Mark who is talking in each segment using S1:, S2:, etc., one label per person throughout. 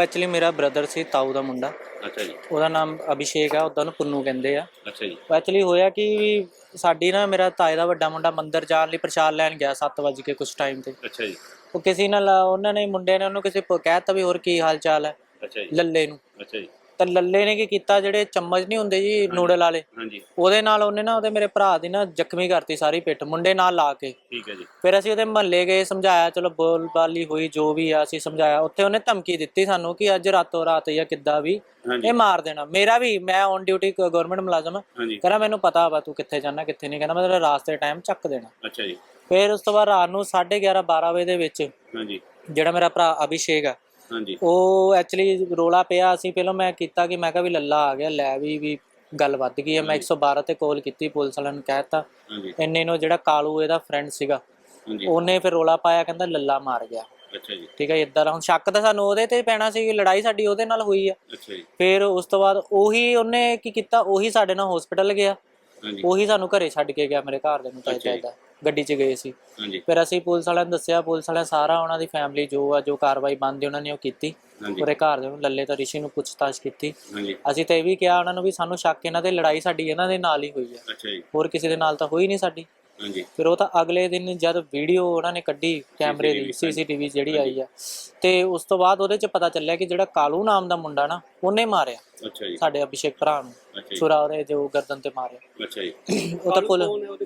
S1: Actually ਮੇਰਾ brother ਸੀ, ਤਾਊ ਦਾ ਮੁੰਡਾ।
S2: ਅੱਛਾ ਜੀ।
S1: ਉਹਦਾ ਨਾਮ ਅਭਿਸ਼ੇਕ ਆ, ਉਹਦਾ ਨੂੰ ਪੁੰਨੂ ਕਹਿੰਦੇ ਆ।
S2: ਅੱਛਾ ਜੀ।
S1: ਐਕਚੁਅਲੀ ਹੋਇਆ ਕਿ ਸਾਡੀ ਨਾ ਮੇਰਾ ਤਾਏ ਦਾ ਵੱਡਾ ਮੁੰਡਾ ਮੰਦਿਰ ਜਾਣ ਲਈ ਪ੍ਰਸ਼ਾਦ ਲੈਣ ਗਿਆ 7 ਵਜੇ ਕੇ ਕੁਛ ਟਾਈਮ ਤੇ।
S2: ਅੱਛਾ ਜੀ।
S1: ਉਹ ਕਿਸੇ ਨਾਲ ਉਹਨਾਂ ਨੇ ਮੁੰਡੇ ਨੇ ਉਹਨੂੰ ਕਿਸੇ ਕਹਿ ਤਾ ਵੀ ਹੋਰ ਕੀ ਹਾਲ ਚਾਲ ਹੈ
S2: ਅੱਛਾ ਜੀ।
S1: ਲੱਲੇ ਨੂੰ।
S2: ਅੱਛਾ ਜੀ।
S1: ਤਾਂ ਲੱਲੇ ਨੇ ਕੀ ਕੀਤਾ, ਜਿਹੜੇ ਚਮਚ ਨਹੀਂ ਹੁੰਦੇ ਜੀ ਨੂਡਲ ਵਾਲੇ,
S2: ਹਾਂਜੀ।
S1: ਉਹਦੇ ਨਾਲ ਉਹਨੇ ਨਾ ਉਹਦੇ ਮੇਰੇ ਭਰਾ ਦੀ ਨਾ ਜ਼ਖਮੀ ਕਰਤੀ ਸਾਰੀ ਪਿੱਠ, ਮੁੰਡੇ ਨਾਲ ਲਾ ਕੇ।
S2: ਠੀਕ ਹੈ ਜੀ।
S1: ਫਿਰ ਅਸੀਂ ਉਹਦੇ ਮਹੱਲੇ ਗਏ, ਸਮਝਾਇਆ, ਚਲੋ ਬੋਲਬਾਲੀ ਹੋਈ ਜੋ ਵੀ ਆ, ਅਸੀਂ ਸਮਝਾਇਆ। ਉੱਥੇ ਉਹਨੇ ਧਮਕੀ ਦਿੱਤੀ ਸਾਨੂੰ ਕਿ ਅੱਜ ਰਾਤੋਂ ਰਾਤ ਜਾਂ ਕਿੱਦਾਂ ਵੀ ਇਹ ਮਾਰ ਦੇਣਾ। ਮੇਰਾ ਵੀ, ਮੈਂ ਔਨ ਡਿਊਟੀ ਗਵਰਨਮੈਂਟ ਮੁਲਾਜ਼ਮ, ਕਹਿੰਦਾ ਮੈਨੂੰ ਪਤਾ ਵਾ ਤੂੰ ਕਿੱਥੇ ਜਾਣਾ ਕਿੱਥੇ ਨਹੀਂ, ਕਹਿੰਦਾ ਮੈਂ ਤੇਰਾ ਰਾਸਤੇ ਟਾਈਮ ਚੱਕ ਦੇਣਾ।
S2: ਅੱਛਾ ਜੀ।
S1: ਫਿਰ ਉਸ ਤੋਂ ਬਾਅਦ ਰਾਤ ਨੂੰ 11:30 12 ਵਜੇ ਦੇ ਵਿੱਚ ਜਿਹੜਾ ਮੇਰਾ ਭਰਾ ਅਭਿਸ਼ੇਕ ਆ, ਉਹ ਐਕਚੁਅਲੀ ਰੋਲਾ ਪਿਆ। ਅਸੀਂ ਪਹਿਲਾਂ ਮੈਂ ਕੀਤਾ ਕਿ ਮੈਂ ਕਿਹਾ ਵੀ ਲੱਲਾ ਆ ਗਿਆ, ਲੈ ਵੀ ਗੱਲ ਵੱਧ ਗਈ ਹੈ। ਮੈਂ 112 ਤੇ ਕਾਲ ਕੀਤੀ, ਪੁਲਿਸ ਵਾਲਿਆਂ ਨੂੰ ਕਹਿ ਦਿੱਤਾ। ਇੰਨੇ ਨੂੰ ਜਿਹੜਾ ਕਾਲੂ ਇਹਦਾ ਫਰੈਂਡ ਸੀਗਾ, ਉਹਨੇ ਫਿਰ ਰੋਲਾ ਪਾਇਆ, ਕਹਿੰਦਾ ਲੱਲਾ ਮਾਰ ਗਿਆ।
S2: ਅੱਛਾ ਜੀ।
S1: ਠੀਕ ਹੈ, ਇੱਦਾਂ ਦਾ ਹੁਣ ਸ਼ੱਕ ਤਾਂ ਸਾਨੂੰ ਉਹਦੇ ਤੇ ਪੈਣਾ ਸੀ, ਲੜਾਈ ਸਾਡੀ ਉਹਦੇ ਨਾਲ ਹੋਈ ਆ।
S2: ਅੱਛਾ ਜੀ।
S1: ਫਿਰ ਉਸ ਤੋਂ ਬਾਅਦ ਉਹੀ ਉਹਨੇ ਕੀ ਕੀਤਾ, ਉਹੀ ਸਾਡੇ ਨਾਲ ਹਸਪੀਟਲ ਗਿਆ, ਉਹੀ ਸਾਨੂੰ ਘਰੇ ਛੱਡ ਕੇ ਗਿਆ। ਮੇਰੇ ਘਰ ਦੇ ਨੂੰ ਤਾਂ ਇਦਾਂ ਗੱਡੀ 'ਚ ਗਏ ਸੀ। ਫਿਰ ਅਸੀਂ ਪੁਲਿਸ ਵਾਲਿਆਂ ਨੂੰ ਦੱਸਿਆ, ਪੁਲਿਸ ਵਾਲਿਆਂ ਸਾਰਾ ਉਹਨਾਂ ਦੀ ਫੈਮਿਲੀ ਜੋ ਕਾਰਵਾਈ ਬਣਦੀ ਉਹਨਾਂ ਨੇ ਉਹ ਕੀਤੀ। ਉਹਦੇ ਘਰ ਦੇ ਨੂੰ ਲੱਲੇ ਤੋਂ ਰਿਸ਼ੀ ਨੂੰ ਪੁੱਛਤਾਛ ਕੀਤੀ। ਅਸੀਂ ਤਾਂ ਇਹ ਵੀ ਕਿਹਾ ਉਹਨਾਂ ਨੂੰ ਵੀ ਸਾਨੂੰ ਸ਼ੱਕ ਇਹਨਾਂ ਦੇ ਲੜਾਈ ਸਾਡੀ ਇਹਨਾਂ ਦੇ ਨਾਲ ਹੀ ਹੋਈ ਹੈ, ਹੋਰ ਕਿਸੇ ਦੇ ਨਾਲ ਤਾਂ ਹੋਈ ਨਹੀਂ ਸਾਡੀ। ਫਿਰ ਉਹ ਤਾਂ ਅਗਲੇ ਦਿਨ ਜਦ ਵੀਡੀਓ ਉਹਨਾਂ ਨੇ ਕੱਢੀ ਕੈਮਰੇ ਦੀ, CCTV ਜਿਹੜੀ ਆਈ ਆ, ਤੇ ਉਸ ਤੋਂ ਬਾਅਦ ਉਹਦੇ 'ਚ ਪਤਾ ਚੱਲਿਆ ਕਿ ਜਿਹੜਾ ਕਾਲੂ ਨਾਮ ਦਾ ਮੁੰਡਾ ਨਾ, ਉਹਨੇ ਮਾਰਿਆ ਸਾਡੇ ਅਭਿਸ਼ੇਕ ਭਰਾ ਨੂੰ, ਛੁਰਾ ਉਹਦੇ ਜੋ ਗਰਦਨ ਤੇ ਮਾਰਿਆ। ਉਹ ਤਾਂ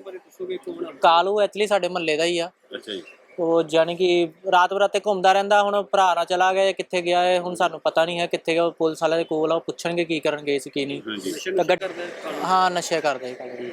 S1: ਕਾਲੂ ਐਕਚੁਅਲੀ ਸਾਡੇ ਮਹੱਲੇ ਦਾ ਹੀ ਆ। ਉਹ ਜਾਣੀ ਕਿ ਰਾਤ ਬਰਾਤੇ ਘੁੰਮਦਾ ਰਹਿੰਦਾ। ਹੁਣ ਭਰਾ ਨਾਲ ਚਲਾ ਗਿਆ, ਕਿੱਥੇ ਗਿਆ ਹੈ ਹੁਣ ਸਾਨੂੰ ਪਤਾ ਨਹੀਂ ਹੈ ਕਿੱਥੇ ਗਿਆ। ਪੁਲਿਸ ਵਾਲਿਆਂ ਦੇ ਕੋਲ ਆ, ਉਹ ਪੁੱਛਣਗੇ ਕੀ ਕਰਨ ਗਏ ਸੀ ਕੀ ਨਹੀਂ। ਹਾਂ, ਨਸ਼ੇ ਕਰਦੇ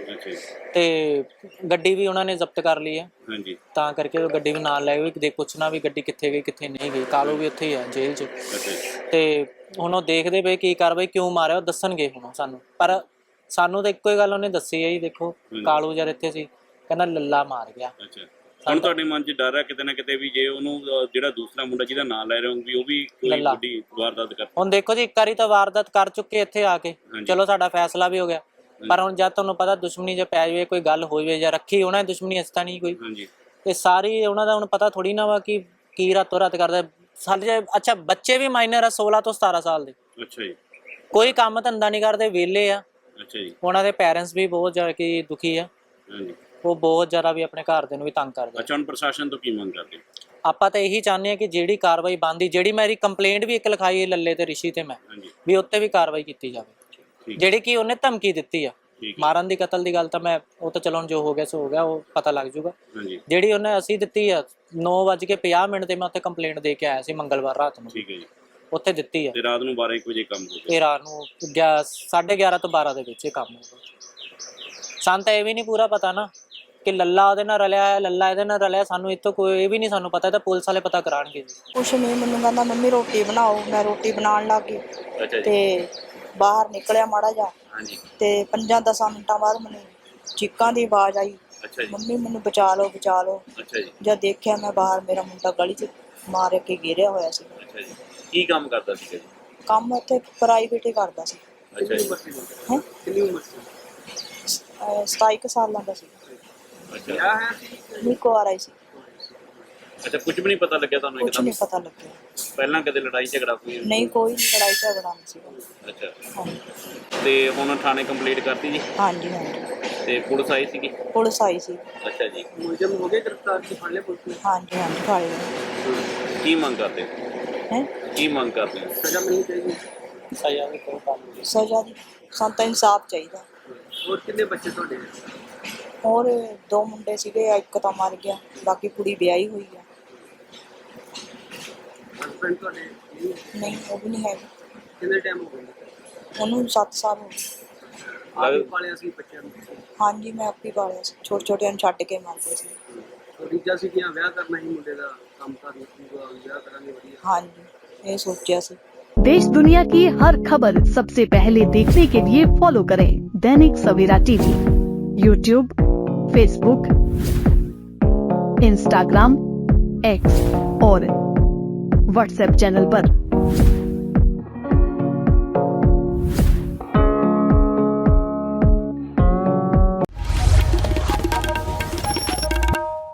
S1: ਤੇ ਗੱਡੀ ਵੀ ਉਹਨਾਂ ਨੇ ਜ਼ਬਤ ਕਰ ਲਈ ਹੈ, ਤਾਂ ਕਰਕੇ ਉਹ ਗੱਡੀ ਵੀ ਨਾਲ ਲੈ ਗਏ, ਪੁੱਛਣਾ ਵੀ ਗੱਡੀ ਕਿੱਥੇ ਗਈ ਕਿੱਥੇ ਨਹੀਂ ਗਈ। ਕਾਲੂ ਵੀ ਉੱਥੇ ਹੀ ਆ ਜੇਲ੍ਹ 'ਚ। ਤੇ ਹੁਣ ਉਹ ਦੇਖਦੇ ਪਏ ਕੀ ਕਾਰਵਾਈ, ਕਿਉਂ ਮਾਰਿਆ ਉਹ ਦੱਸਣਗੇ ਹੁਣ ਸਾਨੂੰ। ਪਰ ਸਾਨੂੰ ਤਾਂ ਇੱਕੋ ਹੀ ਗੱਲ ਉਹਨੇ ਦੱਸੀ ਹੈ ਜੀ, ਦੇਖੋ ਕਾਲੂ ਜਦ ਇੱਥੇ ਸੀ ਕਹਿੰਦਾ ਲੱਲਾ ਮਾਰ ਗਿਆ।
S2: ਹੁਣ ਤੁਹਾਡੇ ਮਨ 'ਚ ਡਰ ਹੈ ਕਿਤੇ ਨਾ ਕਿਤੇ ਵੀ ਜੇ ਉਹਨੂੰ ਜਿਹੜਾ ਦੂਸਰਾ ਮੁੰਡਾ ਜਿਹਦਾ ਨਾਂ ਲੈ ਰਹੇ ਹੋ ਵੀ ਉਹ ਵੀ ਕੋਈ ਵੱਡੀ ਵਾਰਦਾਤ ਕਰ।
S1: ਹੁਣ ਦੇਖੋ ਜੀ, ਇੱਕ ਵਾਰੀ ਤਾਂ ਵਾਰਦਾਤ ਕਰ ਚੁੱਕੇ ਇੱਥੇ ਆ ਕੇ, ਚਲੋ ਸਾਡਾ ਫੈਸਲਾ ਵੀ ਹੋ ਗਿਆ। ਪਰ ਹੁਣ ਜਦ ਤੁਹਾਨੂੰ ਪਤਾ ਦੁਸ਼ਮਣੀ ਜੇ ਪੈ ਜਾਵੇ, ਕੋਈ ਗੱਲ ਹੋ ਜਾਵੇ ਜਾਂ ਰੱਖੀ ਉਹਨਾਂ ਨੇ ਦੁਸ਼ਮਣੀ ਇਸ ਤਾਂ ਨਹੀਂ ਕੋਈ, ਇਹ ਸਾਰੀ ਉਹਨਾਂ ਦਾ ਹੁਣ ਪਤਾ ਥੋੜੀ ਨਾ ਵਾ ਕਿ ਕੀ ਰਾਤੋਂ ਰਾਤ ਕਰਦਾ ਸਾਡੇ। ਅੱਛਾ, ਬੱਚੇ ਵੀ ਮਾਈਨਰ ਆ 16 ਤੋਂ 17 ਸਾਲ ਦੇ, ਕੋਈ ਕੰਮ ਧੰਦਾ ਨਹੀਂ ਕਰਦੇ, ਵਿਹਲੇ ਆ। ਉਹਨਾਂ ਦੇ ਪੈਰੈਂਟਸ ਵੀ ਬਹੁਤ ਜ਼ਿਆਦਾ ਕਿ ਦੁਖੀ ਆ, ਉਹ ਬਹੁਤ ਜ਼ਿਆਦਾ ਵੀ ਆਪਣੇ ਘਰ ਦੇ ਨੂੰ ਵੀ ਤੰਗ ਕਰਦੇ।
S2: ਅੱਛਾ, ਹੁਣ ਪ੍ਰਸ਼ਾਸਨ ਤੋਂ ਕੀ ਮੰਗ ਕਰਦੇ?
S1: ਆਪਾਂ ਤਾਂ ਇਹੀ ਚਾਹੁੰਦੇ ਹਾਂ ਕਿ ਜਿਹੜੀ ਕਾਰਵਾਈ ਬਣਦੀ, ਜਿਹੜੀ ਮੇਰੀ ਕੰਪਲੇਂਟ ਵੀ ਇੱਕ ਲਿਖਾਈ ਹੈ ਲੱਲੇ ਤੇ ਰਿਸ਼ੀ ਤੇ ਮੈਂ, ਵੀ ਉੱਤੇ ਵੀ ਕਾਰਵਾਈ ਕੀਤੀ ਜਾਵੇ। ਜਿਹੜੀ ਕਿ ਉਹਨੇ ਧਮਕੀ ਦਿੱਤੀ ਆ ਮਾਰਨ ਦੀ, ਕਤਲ ਦੀ ਗੱਲ ਤਾਂ ਮੈਂ ਉਹ ਤਾਂ ਚਲੋ ਜੋ ਹੋ ਗਿਆ ਸੋ ਹੋ ਗਿਆ, ਉਹ ਪਤਾ ਲੱਗ ਜੂਗਾ। ਜਿਹੜੀ ਉਹਨੇ ਅਸੀਂ ਦਿੱਤੀ ਆ 9:50 ਤੇ ਮੈਂ ਉੱਥੇ ਕੰਪਲੇਂਟ ਦੇ ਕੇ ਆਇਆ ਸੀ ਮੰਗਲਵਾਰ ਰਾਤ ਨੂੰ। ਉੱਥੇ ਦਿੱਤੀ ਆ
S2: ਤੇ ਰਾਤ ਨੂੰ 12 ਵਜੇ ਕੰਮ ਹੋ ਗਿਆ।
S1: ਇਹ ਰਾਤ ਨੂੰ 11:30 ਤੋਂ 12 ਦੇ ਵਿੱਚ ਇਹ ਕੰਮ ਹੋ ਗਿਆ। ਸਾਨੂੰ ਤਾਂ ਇਹ ਵੀ ਨਹੀਂ ਪੂਰਾ ਪਤਾ ਨਾ ਕਿ ਲੱਲਾ ਉਹਦੇ ਨਾਲ ਰਲਿਆ ਹੈ, ਲੱਲਾ ਇਹਦੇ ਨਾਲ ਰਲਿਆ। ਸਾਨੂੰ ਇੱਥੋਂ ਕੋਈ ਇਹ ਵੀ ਨਹੀਂ ਸਾਨੂੰ ਪਤਾ, ਤਾਂ ਪੁਲਿਸ ਵਾਲੇ ਪਤਾ ਕਰਾਉਣਗੇ।
S3: ਕੁਛ ਨਹੀਂ, ਮੈਨੂੰ ਕਹਿੰਦਾ ਮੰਮੀ ਰੋਟੀ ਬਣਾਓ, ਮੈਂ ਰੋਟੀ ਬਣਾਉਣ ਲੱਗ ਗਈ ਤੇ ਬਾਹਰ ਨਿਕਲਿਆ ਮਾੜਾ ਜਿਹਾ, ਤੇ 5-10 ਮਿੰਟਾਂ ਬਾਅਦ ਮੈਨੂੰ ਚੀਕਾਂ ਦੀ ਆਵਾਜ਼ ਆਈ, ਮੰਮੀ ਮੈਨੂੰ ਬਚਾ ਲਓ ਬਚਾ ਲਓ। ਜਦ ਦੇਖਿਆ ਮੈਂ ਬਾਹਰ, ਮੇਰਾ ਮੁੰਡਾ ਗਲੀ 'ਚ ਮਾਰ ਕੇ ਗਿਰਿਆ ਹੋਇਆ ਸੀ।
S2: ਕੀ ਕੰਮ ਕਰਦਾ ਸੀ?
S3: ਕੰਮ ਉੱਥੇ ਪ੍ਰਾਈਵੇਟ ਹੀ ਕਰਦਾ ਸੀ। 27 ਸਾਲਾਂ ਦਾ ਸੀ। ਨਹੀਂ, ਕੁਆਰਾ ਹੀ ਸੀ।
S2: ਅੱਛਾ, ਕੁਝ ਵੀ ਨਹੀਂ ਪਤਾ ਲੱਗਿਆ ਤੁਹਾਨੂੰ?
S3: ਕੁਝ ਨਹੀਂ ਪਤਾ ਲੱਗਿਆ।
S2: ਪਹਿਲਾਂ ਕਦੇ ਲੜਾਈ ਝਗੜਾ ਕੋਈ?
S3: ਨਹੀਂ, ਕੋਈ ਲੜਾਈ ਝਗੜਾ ਨਹੀਂ ਸੀਗਾ।
S2: ਅੱਛਾ, ਤੇ ਹੁਣ ਥਾਣੇ ਕੰਪਲੀਟ ਕਰਤੀ ਜੀ?
S3: ਹਾਂਜੀ।
S2: ਤੇ ਪੁਲਿਸ ਆਈ ਸੀਗੀ?
S3: ਪੁਲਿਸ ਆਈ ਸੀ।
S2: ਅੱਛਾ ਜੀ। ਮੁਲਜ਼ਮ ਹੋ ਗਏ ਗ੍ਰਿਫਤਾਰ? ਕੀ ਫੜ ਲਿਆ ਪੁਲਿਸ ਨੇ?
S3: ਹਾਂਜੀ, ਫੜ ਲਿਆ।
S2: ਕੀ ਮੰਗ ਕਰਦੇ
S3: ਹੈ? ਕੀ
S2: ਮੰਗ ਕਰਦੇ? ਸਜ਼ਾ ਮਿਲਣੀ ਚਾਹੀਦੀ।
S1: ਸਜ਼ਾ ਦੀ ਕੋਈ ਗੱਲ ਨਹੀਂ,
S3: ਸਜ਼ਾ ਦੀ ਸਾਨੂੰ ਤਾਂ ਇਨਸਾਫ ਚਾਹੀਦਾ।
S2: ਹੋਰ ਕਿੰਨੇ ਬੱਚੇ ਤੁਹਾਡੇ?
S3: ਹੋਰ 2 ਮੁੰਡੇ ਸੀਗੇ, ਇੱਕ ਤਾਂ ਮਰ ਗਿਆ, ਬਾਕੀ ਕੁੜੀ ਵਿਆਹੀ ਹੋਈ ਆ।
S2: ਹਸਬੈਂਡ ਤੁਹਾਡੇ?
S3: ਨਹੀਂ, ਉਹ ਵੀ ਨਹੀਂ ਹੈਗਾ।
S2: ਕਿੰਨੇ ਟਾਈਮ ਹੋ ਗਿਆ
S3: ਉਹਨੂੰ? 7 ਸਾਲ ਹੋ ਗਏ।
S2: ਆਪ ਪਾਲਿਆ ਸੀ ਬੱਚਿਆਂ ਨੂੰ?
S3: ਹਾਂਜੀ, ਮੈਂ ਆਪੇ ਪਾਲਿਆ ਸੀ। ਛੋਟੇ ਨੂੰ ਛੱਡ ਕੇ ਮਰਦੇ ਸੀ।
S2: ਰੀਜਾ ਸੀ ਕਿ ਵਿਆਹ ਕਰਨਾ ਹੀ ਮੁੰਡੇ ਦਾ ਕੰਮ ਕਰਨਾ, ਵਿਆਹ ਕਰਾਂਗੇ ਵਧੀਆ।
S3: ਹਾਂਜੀ, ਇਹ ਸੋਚਿਆ ਸੀ।
S4: देश दुनिया की हर खबर सबसे पहले देखने के लिए फॉलो करें Dainik Savera TV, YouTube, Facebook, Instagram, X और व्हाट्सएप चैनल पर।